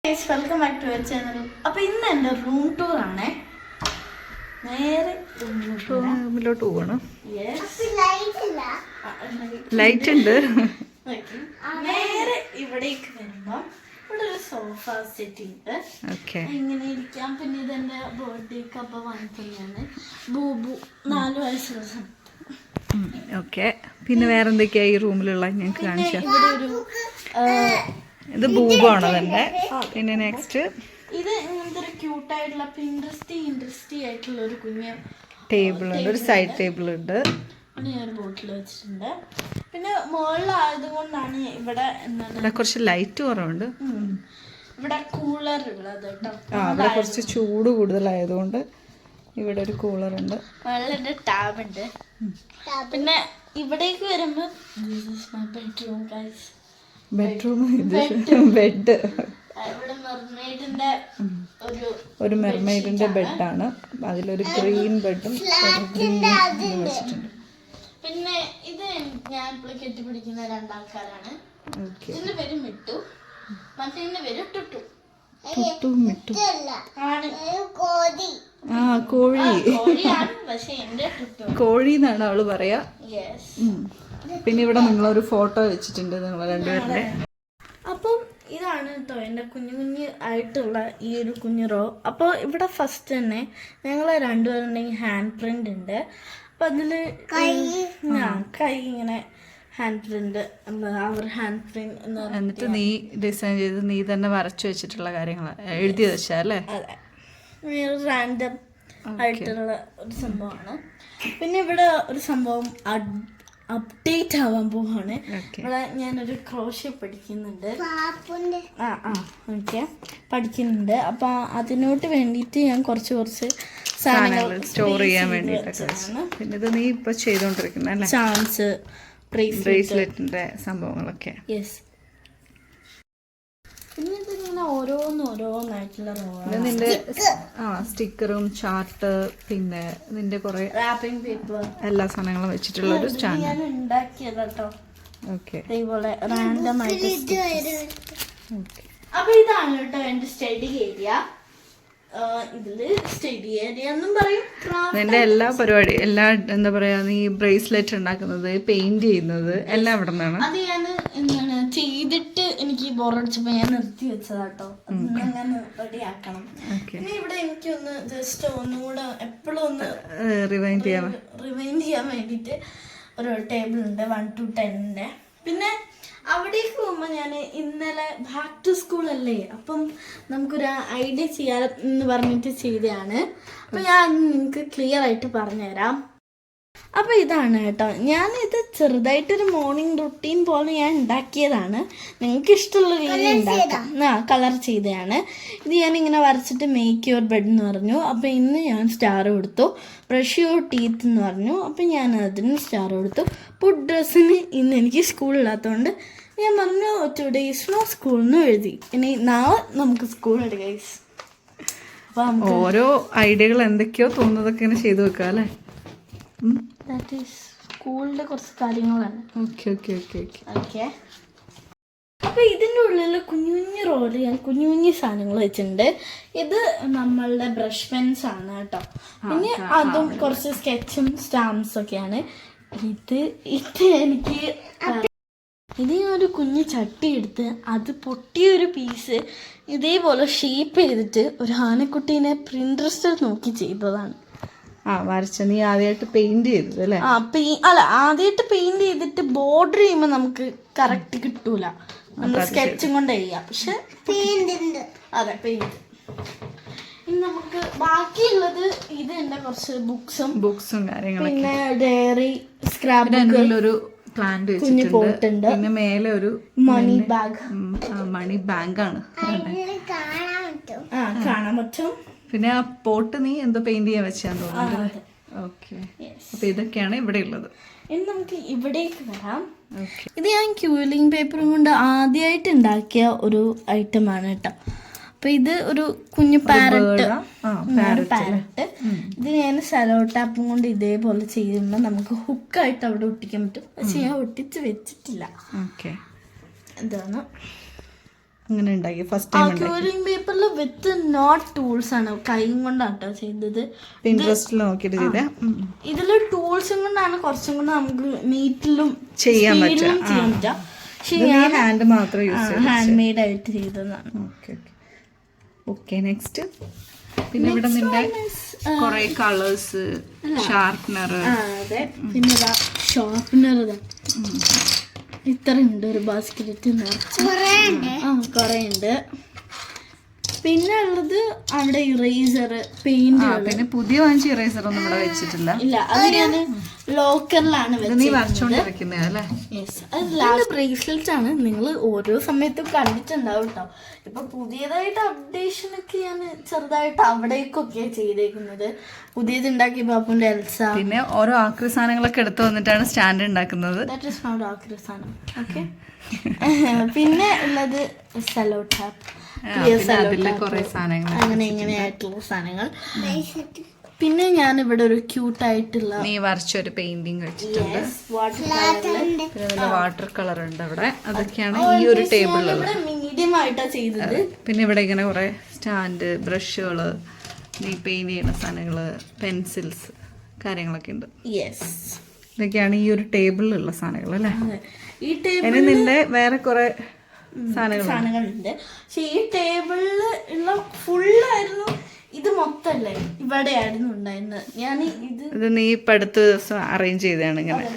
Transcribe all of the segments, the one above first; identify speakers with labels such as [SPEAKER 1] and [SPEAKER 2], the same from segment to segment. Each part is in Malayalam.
[SPEAKER 1] Welcome back to our channel. അപ്പോൾ ഇന്ന് എൻ്റെ റൂം ടൂർ ആണ്. നേരെ
[SPEAKER 2] റൂമിലോട്ട് പോകണം.
[SPEAKER 1] ലൈറ്റ്
[SPEAKER 2] ലൈറ്റ് ഉണ്ട്.
[SPEAKER 1] നേരെ ഇവിടേക്ക് വരുമ്പോൾ ഇവിടെ ഒരു സോഫ സെറ്റ് ഉണ്ട്. ഇങ്ങനെ ഇരിക്കാം. പിന്നെ ഇതെൻ്റെ ബർത്ത്ഡേക്ക് അപ്പം വാങ്ങിക്കുന്നതാണ്. ബൂബു 4 വയസ്സുള്ള സമയത്ത്.
[SPEAKER 2] ഓക്കെ, പിന്നെ വേറെ എന്തൊക്കെയാ ഈ റൂമിലുള്ള ഞങ്ങൾക്ക് കാണിച്ചാൽ?
[SPEAKER 1] ഇവിടെ ഒരു
[SPEAKER 2] ഇത് ബൂബാണോ തന്നെ? പിന്നെ നെക്സ്റ്റ്
[SPEAKER 1] ഇത് ഇങ്ങനത്തെ ഒരു ക്യൂട്ടായിട്ടുള്ള ഇൻട്രസ്റ്റി ആയിട്ടുള്ള ഒരു കുഞ്ഞ്
[SPEAKER 2] ടേബിൾ ഉണ്ട്. ഒരു സൈഡ് ടേബിൾ ഉണ്ട്.
[SPEAKER 1] ഞാൻ ഒരു ബോട്ടിൽ വെച്ചിട്ടുണ്ട്. പിന്നെ മുകളിലായതുകൊണ്ടാണ് ഇവിടെ എന്താണ്
[SPEAKER 2] കുറച്ച് ലൈറ്റ് കുറവുണ്ട്.
[SPEAKER 1] ഇവിടെ കൂളർ ഉള്ളത് കേട്ടോ.
[SPEAKER 2] അവിടെ കുറച്ച് ചൂട് കൂടുതലായതുകൊണ്ട് ഇവിടെ ഒരു കൂളർ ഉണ്ട്.
[SPEAKER 1] വെള്ളത്തിന്റെ ടാബ് ഉണ്ട്. പിന്നെ ഇവിടേക്ക് വരുമ്പോൾ ബെഡ്റൂം ഗൈസ്.
[SPEAKER 2] Bedroom, bed. ഒരു മെർമെയ്ഡിന്റെ ബെഡാണ്. അതിലൊരു ഗ്രീൻ ബെഡും വെച്ചിട്ടുണ്ട്.
[SPEAKER 1] പിന്നെ ഇത് ഞാൻ ഇപ്പോൾ കെട്ടിപ്പിടിക്കുന്ന 2 ആൾക്കാരാണ്. ഇതിന്റെ പേര് മിട്ടു, മറ്റേ പേര് ടുട്ടു.
[SPEAKER 2] കോഴി എന്നാണ് അവള് പറയാ. പിന്നെ ഇവിടെ നിങ്ങളൊരു ഫോട്ടോ വെച്ചിട്ടുണ്ട് നിങ്ങൾ രണ്ടുപേരുടെ.
[SPEAKER 1] അപ്പം ഇതാണ് കേട്ടോ എൻ്റെ കുഞ്ഞു ആയിട്ടുള്ള ഈ ഒരു കുഞ്ഞു റോ. അപ്പോൾ ഇവിടെ ഫസ്റ്റ് തന്നെ ഞങ്ങൾ രണ്ടുപേരുണ്ടെങ്കിൽ ഹാൻഡ് പ്രിന്റ് ഉണ്ട്. അപ്പം അതിൽ കൈ ഇങ്ങനെ ഹാൻഡ് പ്രിന്റ്, അവർ ഹാൻഡ് പ്രിന്റ്
[SPEAKER 2] എന്നിട്ട് നീ ഡിസൈൻ ചെയ്ത് നീ തന്നെ വരച്ചു വെച്ചിട്ടുള്ള കാര്യങ്ങൾ എഴുതി വെച്ചാ അല്ലേ?
[SPEAKER 1] അതെ, റാൻഡം ആയിട്ടുള്ള ഒരു സംഭവമാണ്. പിന്നെ ഇവിടെ ഒരു സംഭവം അപ്ഡേറ്റ് ആവാൻ പോവാണ്. ഇവിടെ ഞാനൊരു ക്രോഷ്യ പഠിക്കുന്നുണ്ട്. പഠിക്കുന്നുണ്ട്. അപ്പൊ അതിനോട്ട് വേണ്ടിയിട്ട് ഞാൻ കുറച്ച് സാധനങ്ങൾ
[SPEAKER 2] സ്റ്റോർ ചെയ്യാൻ വേണ്ടിയിട്ടാണ്. പിന്നെ ഇത് നീ ഇപ്പൊ ചെയ്തോണ്ടിരിക്കുന്ന
[SPEAKER 1] ചാൻസ്
[SPEAKER 2] ബ്രേസ്ലെറ്റിന്റെ സംഭവങ്ങളൊക്കെ.
[SPEAKER 1] യെസ്. പിന്നെ ഇതിങ്ങനെ ഓരോന്നായിട്ടുള്ള
[SPEAKER 2] നിന്റെ സ്റ്റിക്കറും ചാർട്ട്, പിന്നെ നിന്റെ കുറെ
[SPEAKER 1] റാപ്പിംഗ് പേപ്പർ,
[SPEAKER 2] എല്ലാ സാധനങ്ങളും വെച്ചിട്ടുള്ള ഒരു സ്റ്റാൻഡ്
[SPEAKER 1] ഞാൻ ഉണ്ടാക്കിയതാട്ടോ.
[SPEAKER 2] ഓക്കെ,
[SPEAKER 1] ഇതേപോലെ റാൻഡം ആയിട്ട്. അപ്പൊ ഇതാണ് കേട്ടോ എന്റെ സ്റ്റഡി ഏരിയ. ഇതില് സ്റ്റഡി ഏരിയ എന്നും പറയും.
[SPEAKER 2] നിന്റെ എല്ലാ പരിപാടി, എല്ലാ എന്താ പറയാ, നീ ബ്രേസ്ലെറ്റ് ഉണ്ടാക്കുന്നത്, പെയിന്റ് ചെയ്യുന്നത് എല്ലാം ഇവിടെ നിന്നാണ്.
[SPEAKER 1] അത് ഞാൻ എന്താണ് ചെയ്തിട്ട് എനിക്ക് ബോറടിച്ചപ്പോ ഞാൻ നിർത്തി വെച്ചതാട്ടോ. ഞാൻ റെഡി ആക്കണം. പിന്നെ ഇവിടെ എനിക്കൊന്ന് ജസ്റ്റ് ഒന്നുകൂടെ എപ്പോഴും ഒന്ന്
[SPEAKER 2] റിവൈൻഡ്
[SPEAKER 1] ചെയ്യാൻ വേണ്ടിട്ട് ഒരു ടേബിൾ ഉണ്ട് 1 to 10. പിന്നെ അവിടേക്ക് പോകുമ്പോൾ ഞാൻ ഇന്നലെ ബാക്ക് ടു സ്കൂൾ അല്ലേ, അപ്പം നമുക്കൊരു ഐഡിയ ചെയ്യാമെന്ന് പറഞ്ഞിട്ട് ചെയ്തതാണ്. അപ്പം ഞാൻ നിങ്ങൾക്ക് ക്ലിയർ ആയിട്ട് പറഞ്ഞുതരാം. അപ്പോൾ ഇതാണ് കേട്ടോ, ഞാനിത് ചെറുതായിട്ടൊരു മോർണിംഗ് റുട്ടീൻ പോലെ ഞാൻ ഉണ്ടാക്കിയതാണ്. നിങ്ങൾക്ക് ഇഷ്ടമുള്ള രീതിയിൽ ഉണ്ടാക്കാം. കളർ ചെയ്തതാണ്. ഇത് ഞാനിങ്ങനെ വരച്ചിട്ട് മേക്ക് യുവർ ബെഡ് എന്ന് പറഞ്ഞു. അപ്പോൾ ഇന്ന് ഞാൻ സ്റ്റാർ കൊടുത്തു. ബ്രഷ് യുവർ ടീത്ത് എന്ന് പറഞ്ഞു. അപ്പം ഞാൻ അതിന് സ്റ്റാർ കൊടുത്തു. പുട്ട് ഡ്രസ്സിന് ഇന്ന് എനിക്ക് സ്കൂളില്ലാത്തതുകൊണ്ട് ഞാൻ പറഞ്ഞു ടുഡേ ഈസ് നോ സ്കൂൾ എന്ന് എഴുതി. ഇനി നാളെ നമുക്ക് സ്കൂളുണ്ട് ഗൈസ്.
[SPEAKER 2] ഓരോ ഐഡിയകൾ എന്തൊക്കെയോ തോന്നുന്നതൊക്കെ ഇങ്ങനെ ചെയ്തു വെക്കാം അല്ലേ?
[SPEAKER 1] ദാറ്റ് ഈസ് സ്കൂളിൻ്റെ കുറച്ച് കാര്യങ്ങളാണ്. ഓക്കെ. അപ്പോൾ ഇതിൻ്റെ ഉള്ളിൽ കുഞ്ഞു റോള് ഞാൻ കുഞ്ഞു സാധനങ്ങൾ വെച്ചിട്ടുണ്ട്. ഇത് നമ്മളുടെ ബ്രഷ് പെൻസ് ആണ് കേട്ടോ. പിന്നെ അതും കുറച്ച് സ്കെച്ചും സ്റ്റാമ്പ്സ് ഒക്കെയാണ്. ഇത് എനിക്ക് ഇത് ഒരു കുഞ്ഞു ചട്ടി എടുത്ത് അത് പൊട്ടിയൊരു പീസ് ഇതേപോലെ ഷേപ്പ് ചെയ്തിട്ട് ഒരു ആനക്കുട്ടീനെ പ്രിൻട്രസ്റ്റിൽ നോക്കി ചെയ്തതാണ്.
[SPEAKER 2] വരച്ച നീ ആദ്യമായിട്ട് പെയിന്റ് ചെയ്തത് അല്ലേ?
[SPEAKER 1] ആദ്യമായിട്ട് പെയിന്റ് ചെയ്തിട്ട് ബോർഡർ ചെയ്യുമ്പോൾ നമുക്ക് കറക്റ്റ് കിട്ടൂല. നമ്മൾ സ്കെച്ചും കൊണ്ട് ചെയ്യാം. പക്ഷെ അതെ, പെയിന്റ്. ഇനി നമുക്ക് ബാക്കിയുള്ളത് ഇത് എന്റെ കുറച്ച് ബുക്സും കാര്യങ്ങളും, പിന്നെ ഡയറി, സ്ക്രാപ്പ് ബുക്ക്,
[SPEAKER 2] പ്ലാന്റ്
[SPEAKER 1] കുഞ്ഞു പോട്ടുണ്ട്,
[SPEAKER 2] പിന്നെ മേലെ ഒരു
[SPEAKER 1] മണി
[SPEAKER 2] ബാഗാണ്
[SPEAKER 1] കാണാൻ പറ്റും.
[SPEAKER 2] പിന്നെ ആ പോട്ട് നീ എന്തോ പെയിന്റ് ചെയ്യാൻ വെച്ചാന്ന് തോന്നുന്നു. ഓക്കെ, അപ്പൊ ഇതൊക്കെയാണ് ഇവിടെ ഉള്ളത്.
[SPEAKER 1] ഇനി നമുക്ക് ഇവിടേക്ക് വരാം. ഇത് ഞാൻ ക്യൂലിംഗ് പേപ്പറും കൊണ്ട് ആദ്യമായിട്ട് ഉണ്ടാക്കിയ ഒരു ഐറ്റമാണ് കേട്ടോ. അപ്പൊ ഇത് ഒരു കുഞ്ഞു പാരറ്റ്. ഇത് ഞാൻ സെലോ ടാപ്പും കൊണ്ട് ഇതേപോലെ ചെയ്യുമ്പോൾ നമുക്ക് ഹുക്കായിട്ട് അവിടെ ഒട്ടിക്കാൻ പറ്റും. പക്ഷെ ഞാൻ ഒട്ടിച്ച് വെച്ചിട്ടില്ല. എന്താണ്
[SPEAKER 2] അങ്ങനെ ഉണ്ടാക്കി ഫസ്റ്റ് ടൈം ഉണ്ടാക്കി?
[SPEAKER 1] ക്യൂരിങ് പേപ്പറിൽ വിത്ത് നോട്ട് ടൂൾസ് ആണ്, കൈയും കൊണ്ടാട്ടോ ചെയ്തത്.
[SPEAKER 2] പിൻട്രസ്റ്റിൽ നോക്കിയിട്ട് ചെയ്തേ.
[SPEAKER 1] ഇതില് ടൂൾസും കൊണ്ടാണ് കുറച്ചും കൂടെ നമുക്ക് നീറ്റിലും
[SPEAKER 2] ചെയ്യാൻ
[SPEAKER 1] സ്പീഡിലും ചെയ്യാൻ പറ്റുക. പക്ഷെ ഞാൻ
[SPEAKER 2] ഹാൻഡ് മാത്രം യൂസ് ചെയ്തു.
[SPEAKER 1] ഹാൻഡ് മെയ്ഡ് ആയിട്ട് ചെയ്തതാണ്.
[SPEAKER 2] ഓക്കെ ഓക്കെ നെക്സ്റ്റ് പിന്നെ ഇവിടെ നിന്റെ കുറെ കളേഴ്സ്, ഷാർപ്നർ.
[SPEAKER 1] അതെ, പിന്നെ ഷാർപ്നർ ഇത്ര ഉണ്ട്, ഒരു ബാസ്ക്കറ്റ് നിറച്ച് കുറെ ഉണ്ട്. പിന്നെ ഉള്ളത് അവിടെ ഇറേസർ, പെയിന്റ്.
[SPEAKER 2] പിന്നെ പുതിയ വാങ്ങിച്ച ഇറേസർ ഒന്നും ഇവിടെ വെച്ചിട്ടില്ല.
[SPEAKER 1] ഇല്ല, അത് ഞാൻ ലോക്കറിലാണ്
[SPEAKER 2] നീ വരച്ചോണ്ടിരിക്കുന്നല്ലേ?
[SPEAKER 1] അത് ബ്രേസ്ലെറ്റ് ആണ്. നിങ്ങൾ ഓരോ സമയത്തും കണ്ടിട്ടുണ്ടാവും കേട്ടോ. ഇപ്പൊ പുതിയതായിട്ട് അപ്ഡേഷൻ ഒക്കെ ഞാൻ ചെറുതായിട്ട് അവിടേക്കൊക്കെ ചെയ്തേക്കുന്നത്. പുതിയത് ഉണ്ടാക്കി ബാപ്പുന്റെ എൽസ.
[SPEAKER 2] പിന്നെ ഓരോ ആക്രി സാധനങ്ങളൊക്കെ എടുത്തു വന്നിട്ടാണ് സ്റ്റാൻഡ് ഉണ്ടാക്കുന്നത്.
[SPEAKER 1] ദാറ്റ് ഈസ് നോട്ട് ആക്രി സാധനം. ഓക്കെ. പിന്നെ ഉള്ളത് സെല്ലോ ടാപ്പ്, അങ്ങനെ ഇങ്ങനെയായിട്ടുള്ള സാധനങ്ങൾ. പിന്നെ ഞാൻ ഇവിടെ ഒരു ക്യൂട്ടായിട്ടുള്ള
[SPEAKER 2] നീ വരച്ചൊരു പെയിന്റിങ് വെച്ചിട്ടുണ്ട്. പിന്നെ വാട്ടർ കളർ ഉണ്ട് അവിടെ. അതൊക്കെയാണ് ഈ ഒരു ടേബിളിൽ
[SPEAKER 1] മീഡിയം ആയിട്ടാ ചെയ്തത്.
[SPEAKER 2] പിന്നെ ഇവിടെ ഇങ്ങനെ കുറെ സ്റ്റാൻഡ്, ബ്രഷുകള്, നീ പെയിന്റ് ചെയ്യുന്ന സാധനങ്ങള്, പെൻസിൽസ്, കാര്യങ്ങളൊക്കെ ഉണ്ട്. ഇതൊക്കെയാണ് ഈ ഒരു ടേബിളിലുള്ള സാധനങ്ങൾ അല്ലേ?
[SPEAKER 1] ഈ ടേബിൾ
[SPEAKER 2] നിന്റെ വേറെ കുറെ
[SPEAKER 1] സാധനങ്ങളുണ്ട്. പക്ഷെ ഈ ടേബിളിൽ ഉള്ള ഫുള്ളായിരുന്നു. ഇത് മൊത്തല്ലേ ഇവിടെ ആയിരുന്നു ഉണ്ടായിരുന്നത്. ഞാൻ ഇത്
[SPEAKER 2] നീ ഇപ്പൊ അടുത്ത ദിവസം അറേഞ്ച് ചെയ്തതാണ് ഇങ്ങനെ.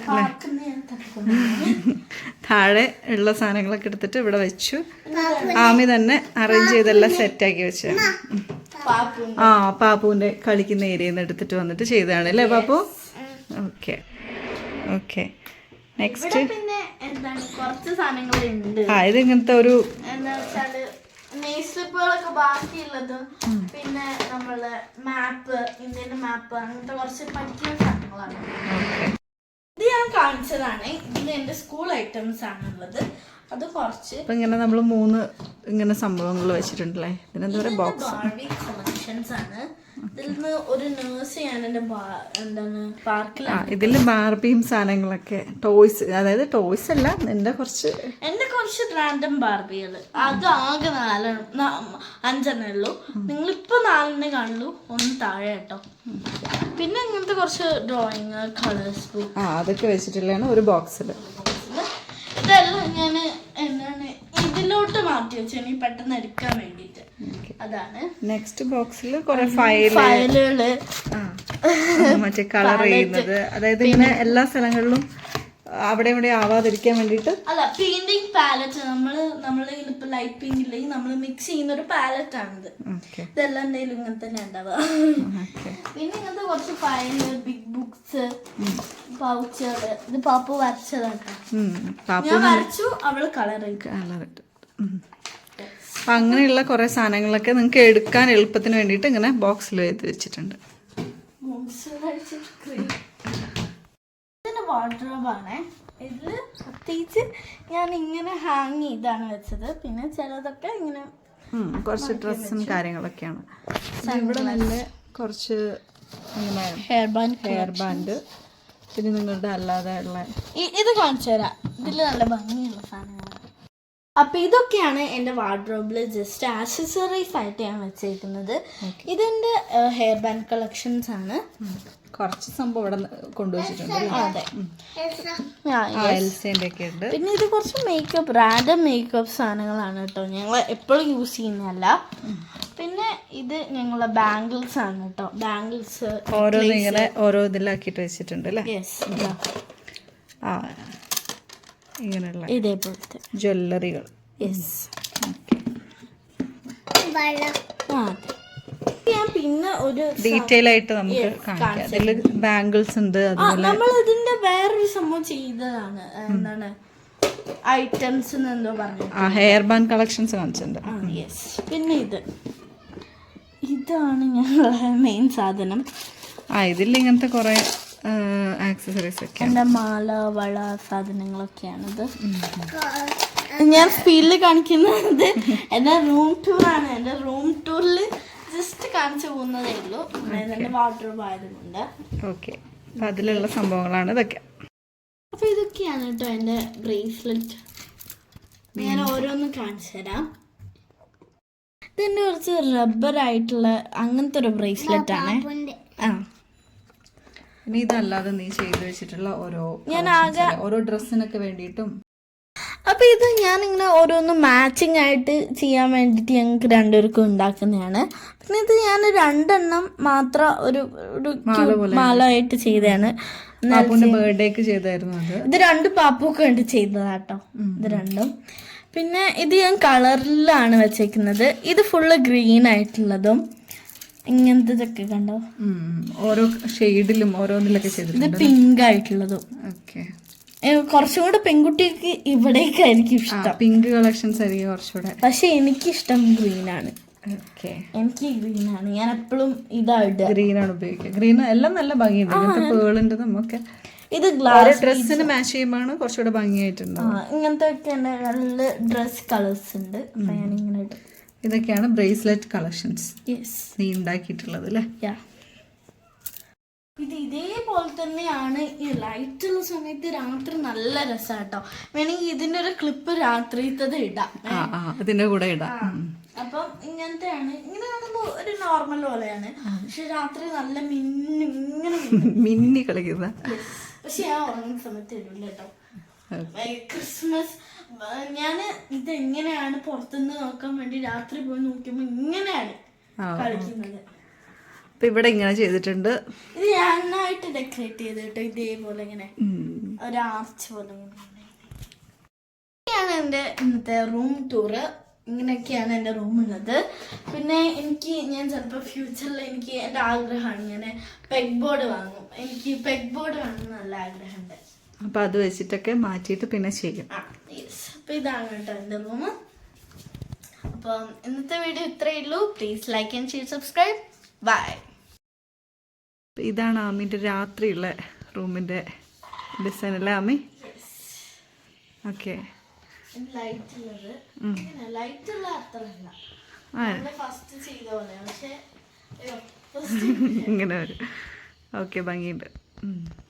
[SPEAKER 2] താഴെ ഉള്ള സാധനങ്ങളൊക്കെ എടുത്തിട്ട് ഇവിടെ വെച്ചു. ആമി തന്നെ അറേഞ്ച് ചെയ്തെല്ലാം സെറ്റാക്കി വെച്ചു. പാപ്പുവിന്റെ കളിക്കുന്ന ഏരിയയിൽ നിന്ന് എടുത്തിട്ട് വന്നിട്ട് ചെയ്തതാണ് അല്ലേ പാപ്പു? Okay okay next.
[SPEAKER 1] പിന്നെ എന്താണ് കുറച്ച് സാധനങ്ങളുണ്ട്.
[SPEAKER 2] ഇത് ഇങ്ങനത്തെ ഒരു
[SPEAKER 1] എന്താ വെച്ചാല് നെയ്സ്ലിപ്പുകളൊക്കെ ബാക്കിയുള്ളത്. പിന്നെ നമ്മള് മാപ്പ്, ഇന്ത്യന്റെ മാപ്പ്, അങ്ങനത്തെ കുറച്ച് പഠിക്കുന്ന സാധനങ്ങളാണ്. ഇത് ഞാൻ കാണിച്ചതാണ്. ഇതിൽ എന്റെ സ്കൂൾ ഐറ്റംസ് ആണുള്ളത്. അത് കുറച്ച്
[SPEAKER 2] ഇങ്ങനെ നമ്മൾ 3 ഇങ്ങനെ സംഭവങ്ങൾ വെച്ചിട്ടുണ്ടല്ലേ. ഇതിനെന്താ പറയുക? ബോക്സ്
[SPEAKER 1] ബാർബി കളക്ഷൻസ് ആണ്. ഇതിൽ നിന്ന് ഒരു നേഴ്സ് ഞാൻ എന്റെ എന്താണ് പാർക്കിലാണ്.
[SPEAKER 2] ഇതിൽ ബാർബിയും സാധനങ്ങളൊക്കെ, ടോയ്സ്, അതായത് ടോയ്സ് അല്ല, എന്റെ കുറച്ച്
[SPEAKER 1] റാൻഡം ബാർബികൾ. അത് ആകെ 5 ഉള്ളൂ. നിങ്ങളിപ്പോ 4 കാണുള്ളൂ, 1 താഴെ കേട്ടോ. പിന്നെ ഇങ്ങനത്തെ കുറച്ച് ഡ്രോയിങ്, കളേഴ്സ് ബുക്ക്,
[SPEAKER 2] അതൊക്കെ വെച്ചിട്ടുള്ളതാണ് ഒരു ബോക്സിൽ.
[SPEAKER 1] ഇതെല്ലാം ഞാൻ എന്താണ് ഇതിലോട്ട് മാറ്റി വെച്ചു, ഇനി പെട്ടെന്ന് എടുക്കാൻ വേണ്ടിട്ട്. അതാണ്
[SPEAKER 2] നെക്സ്റ്റ് ബോക്സിൽ കുറെ ഫയലുകള്, മറ്റേ കളർ ചെയ്യുന്നത്, അതായത് ഇങ്ങനെ എല്ലാ സ്ഥലങ്ങളിലും അവിടെ ഇവിടെ ആവാതിരിക്കാൻ വേണ്ടിട്ട്.
[SPEAKER 1] അല്ല, പെയിന്റിംഗ് പാലറ്റ്. നമ്മള് ഇപ്പൊ ലൈറ്റ് പെയിന്റ് ഇല്ലെങ്കിൽ നമ്മൾ മിക്സ് ചെയ്യുന്ന ഒരു പാലറ്റ് ആണിത്. ഇതെല്ലാം എന്തെങ്കിലും ഇങ്ങനെ തന്നെ ഉണ്ടാവുക. പിന്നെ ഇങ്ങനത്തെ കുറച്ച് ഫയല്, ബിഗ് ബുക്സ്, പൗച്ചുകള്. ഇത് പാപ്പു വരച്ചതാട്ടോ. ഞാൻ വരച്ചു, അവള് കളർ ഇട്ടു.
[SPEAKER 2] അപ്പൊ അങ്ങനെയുള്ള കുറെ സാധനങ്ങളൊക്കെ നിങ്ങൾക്ക് എടുക്കാൻ എളുപ്പത്തിന് വേണ്ടിയിട്ട് ഇങ്ങനെ ബോക്സിൽ എഴുതി വെച്ചിട്ടുണ്ട്.
[SPEAKER 1] ഇതിന്റെ വാർഡ്രോബാണ്. ഇതില് പ്രത്യേകിച്ച് ഞാൻ ഇങ്ങനെ ഹാങ് ചെയ്താണ് വെച്ചത്. പിന്നെ ചിലതൊക്കെ ഇങ്ങനെ
[SPEAKER 2] കുറച്ച് ഡ്രസ്സും കാര്യങ്ങളൊക്കെയാണ്. ഇവിടെ നല്ല കുറച്ച്
[SPEAKER 1] ഹെയർ ബാൻഡ്,
[SPEAKER 2] പിന്നെ നിങ്ങളുടെ അല്ലാതെ ഉള്ള
[SPEAKER 1] ഇത് കാണിച്ചു തരാം. ഇതില് നല്ല ഭംഗിയുള്ള സാധനങ്ങളാണ്. അപ്പൊ ഇതൊക്കെയാണ് എന്റെ വാർഡ്രോബില് ജസ്റ്റ് ആക്സസറീസ് ആയിട്ട് ഞാൻ വെച്ചേക്കുന്നത്. ഇതെന്റെ ഹെയർ ബാൻഡ് കളക്ഷൻസ് ആണ്.
[SPEAKER 2] കുറച്ച് സംഭവം ഇവിടെ കൊണ്ടുവച്ചിട്ടുണ്ട്.
[SPEAKER 1] അതെ,
[SPEAKER 2] എൽസേന്റെ ഉണ്ട്.
[SPEAKER 1] പിന്നെ ഇത് കുറച്ച് മേക്കപ്പ്, റാൻഡം മേക്കപ്പ് സാധനങ്ങളാണ് കേട്ടോ. ഞങ്ങൾ എപ്പോഴും യൂസ് ചെയ്യുന്നതല്ല. പിന്നെ ഇത് ഞങ്ങളെ ബാംഗിൾസ് ആണ് കേട്ടോ. ബാംഗിൾസ്
[SPEAKER 2] ഓരോന്ന് ഇങ്ങനെ ഓരോ ഇതിലാക്കിയിട്ട് വെച്ചിട്ടുണ്ട് അല്ലേ? ഇങ്ങനെയുള്ള
[SPEAKER 1] ഇതേപോലത്തെ
[SPEAKER 2] ജ്വല്ലറികൾ.
[SPEAKER 1] ഞാൻ പിന്നെ ഒരു
[SPEAKER 2] ഡീറ്റെയിൽ ആയിട്ട് നമുക്ക് കാണിക്കാം. അതില് ബാംഗിൾസ് ഉണ്ട്. അതുപോലെ
[SPEAKER 1] നമ്മൾ ഇതിന്റെ വേറൊരു സംഭവം ചെയ്തതാണ്. എന്താണ് ഐറ്റംസ് എന്തോ പറഞ്ഞു,
[SPEAKER 2] ഹെയർ ബാൻഡ് കളക്ഷൻസ് കാണിച്ചിട്ടുണ്ട്.
[SPEAKER 1] പിന്നെ ഇതാണ് ഞങ്ങളെ മെയിൻ സാധനം.
[SPEAKER 2] ഇതിൽ ഇങ്ങനത്തെ കുറെ ആക്സസറീസ് ഒക്കെ,
[SPEAKER 1] എന്റെ മാല, വള സാധനങ്ങളൊക്കെയാണിത്. ഞാൻ സ്പീഡിൽ കാണിക്കുന്നത് എന്റെ റൂം ടൂർ ആണ്. എന്റെ റൂം ടൂറിൽ ജസ്റ്റ് കാണിച്ചു പോകുന്നതേ ഉള്ളൂ, എന്റെ വാർഡ്രോബ് ആയതുകൊണ്ട്.
[SPEAKER 2] ഓക്കെ, അതിലുള്ള സംഭവങ്ങളാണ് ഇതൊക്കെ.
[SPEAKER 1] അപ്പൊ ഇതൊക്കെയാണ് കേട്ടോ എന്റെ ബ്രേസ്ലെറ്റ്. ഞാൻ ഓരോന്നും കാണിച്ചു തരാം. ഇതിൻ്റെ കുറച്ച് റബ്ബർ ആയിട്ടുള്ള അങ്ങനത്തെ ഒരു ബ്രേസ്ലെറ്റ് ആണ്. ആ
[SPEAKER 2] ഇനി ഇതല്ലാതെ നീ ചെയ്തു വെച്ചിട്ടുള്ള
[SPEAKER 1] ഞാൻ ആകെ
[SPEAKER 2] ഓരോ ഡ്രസ്സിനൊക്കെ വേണ്ടിയിട്ടും.
[SPEAKER 1] അപ്പൊ ഇത് ഞാനിങ്ങനെ ഓരോന്ന് മാച്ചിങ് ആയിട്ട് ചെയ്യാൻ വേണ്ടിയിട്ട് ഞങ്ങൾക്ക് രണ്ടുപേർക്കും ഉണ്ടാക്കുന്നതാണ്. പിന്നെ ഇത് ഞാൻ 2 എണ്ണം മാത്രം ഒരു മാല ആയിട്ട് ചെയ്തതാണ്.
[SPEAKER 2] ബർത്ത്ഡേക്ക് ചെയ്തായിരുന്നു അത്.
[SPEAKER 1] ഇത് 2 പാപ്പുക്ക് വേണ്ടി ചെയ്തതാട്ടോ ഇത് 2ഉം. പിന്നെ ഇത് ഞാൻ കളറിലാണ് വെച്ചേക്കുന്നത്. ഇത് ഫുള്ള് ഗ്രീൻ ആയിട്ടുള്ളതും ഇങ്ങനത്തെ കണ്ടോ,
[SPEAKER 2] ഓരോ ഷെയ്ഡിലും ഓരോന്നിലൊക്കെ ചെയ്തിട്ടുണ്ട്.
[SPEAKER 1] ഇത് പിങ്ക് ആയിട്ടുള്ളതും.
[SPEAKER 2] ഓക്കെ,
[SPEAKER 1] കുറച്ചും കൂടെ പെൺകുട്ടിക്ക് ഇവിടേക്കായിരിക്കും ഇഷ്ടം,
[SPEAKER 2] പിങ്ക് കളക്ഷൻസ് ആയിരിക്കും കുറച്ചുകൂടെ.
[SPEAKER 1] പക്ഷെ എനിക്കിഷ്ടം ഗ്രീൻ ആണ്. എനിക്ക് ഗ്രീൻ ആണ്, ഞാൻ എപ്പോഴും ഇതായിട്ട്
[SPEAKER 2] ഗ്രീൻ ആണ് ഉപയോഗിക്കുക. ഗ്രീൻ എല്ലാം നല്ല ഭംഗിയുണ്ട്, ഇങ്ങനത്തെ പേളിന്റെ നമുക്ക്
[SPEAKER 1] ഇത് ഗ്ലാസ്
[SPEAKER 2] ഡ്രസ്സിന് മാച്ച് ചെയ്യുമ്പോൾ കുറച്ചുകൂടെ ഭംഗിയായിട്ടുണ്ട്.
[SPEAKER 1] ഇങ്ങനത്തെ ഒക്കെ നല്ല ഡ്രസ് കളേഴ്സ് ഉണ്ട്. അപ്പൊ ഞാൻ ഇങ്ങനെ ഇടും.
[SPEAKER 2] ഇതൊക്കെയാണ് ബ്രേസ്ലെറ്റ് കളക്ഷൻസ് നീ ഉണ്ടാക്കിയിട്ടുള്ളത് അല്ലേ?
[SPEAKER 1] ഇത് ഇതേപോലെ തന്നെയാണ് ഈ ലൈറ്റ് ഉള്ള സമയത്ത് രാത്രി നല്ല രസാട്ടോ. വേണമെങ്കിൽ ഇതിന്റെ ഒരു ക്ലിപ്പ് രാത്രിത്തത് ഇടാം,
[SPEAKER 2] ഇതിന്റെ കൂടെ ഇടാം.
[SPEAKER 1] അപ്പം ഇങ്ങനത്തെയാണ്, ഇങ്ങനെ കാണുമ്പോ ഒരു നോർമൽ പോലെയാണ്, പക്ഷെ രാത്രി നല്ല
[SPEAKER 2] മിന്നി കളിക്കുന്ന.
[SPEAKER 1] പക്ഷെ ഞാൻ ഉറങ്ങുന്ന സമയത്ത് ഇടില്ല കേട്ടോ. ക്രിസ്മസ് ഞാന് ഇത് എങ്ങനെയാണ് പുറത്തുനിന്ന് നോക്കാൻ വേണ്ടി രാത്രി പോയി നോക്കുമ്പോ ഇങ്ങനെയാണ് കളിക്കുന്നത്.
[SPEAKER 2] അപ്പൊ ഇവിടെ ഇങ്ങനെ ചെയ്തിട്ടുണ്ട്.
[SPEAKER 1] ഇത് ഞാനായിട്ട് ഡെക്കറേറ്റ് ചെയ്ത് കേട്ടോ, ഇതേപോലെ ഇങ്ങനെ ഒരു ആർച്ച് പോലെ. ഇങ്ങനെയാണ് എൻ്റെ ഇന്നത്തെ റൂം ടൂറ്. ഇങ്ങനെയൊക്കെയാണ് എൻ്റെ റൂമുള്ളത്. പിന്നെ ഞാൻ ചിലപ്പോൾ ഫ്യൂച്ചറിൽ എനിക്ക് എൻ്റെ ആഗ്രഹമാണ്, ഞാൻ പെഗ് ബോർഡ് വാങ്ങും. എനിക്ക് പെഗ് ബോർഡ് വാങ്ങുന്ന നല്ല ആഗ്രഹമുണ്ട്.
[SPEAKER 2] അപ്പൊ അത് വെച്ചിട്ടൊക്കെ മാറ്റിയിട്ട് പിന്നെ ചെയ്യും.
[SPEAKER 1] അപ്പൊ ഇതാണ് കേട്ടോ എൻ്റെ റൂം. അപ്പം ഇന്നത്തെ വീഡിയോ ഇത്രയേ ഉള്ളൂ. Please like and share, subscribe. Bye.
[SPEAKER 2] ഇതാണ് ആമിൻ്റെ രാത്രിയുള്ള റൂമിൻ്റെ ഡിസൈൻ അല്ലേ ആമി? ഓക്കെ, ഇങ്ങനെ വരും. ഓക്കെ, ഭംഗിയുണ്ട്.